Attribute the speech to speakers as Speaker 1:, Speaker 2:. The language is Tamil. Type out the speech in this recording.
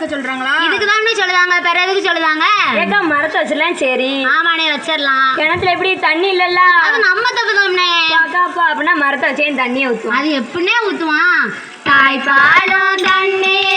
Speaker 1: வைக்க சொல்றாங்களா?
Speaker 2: இதுக்கு தான் சொல்லுதாங்க, வேற எதுக்கு சொல்லுதாங்க?
Speaker 3: ஏக்கா மரத்தை வச்சிடலாம். சரி
Speaker 2: ஆமாண்ணே வச்சிடலாம்.
Speaker 3: கிணத்துல எப்படி தண்ணி இல்லல்ல?
Speaker 2: அது நம்ம தப்புதாம்ண்ணே.
Speaker 3: அக்காப்பா அப்படின்னா மரத்தை வச்சேன் தண்ணியை ஊற்றுவோம்.
Speaker 2: அது எப்படின்னே ஊத்துவான்? தாய்ப்பாலும் தண்ணீர்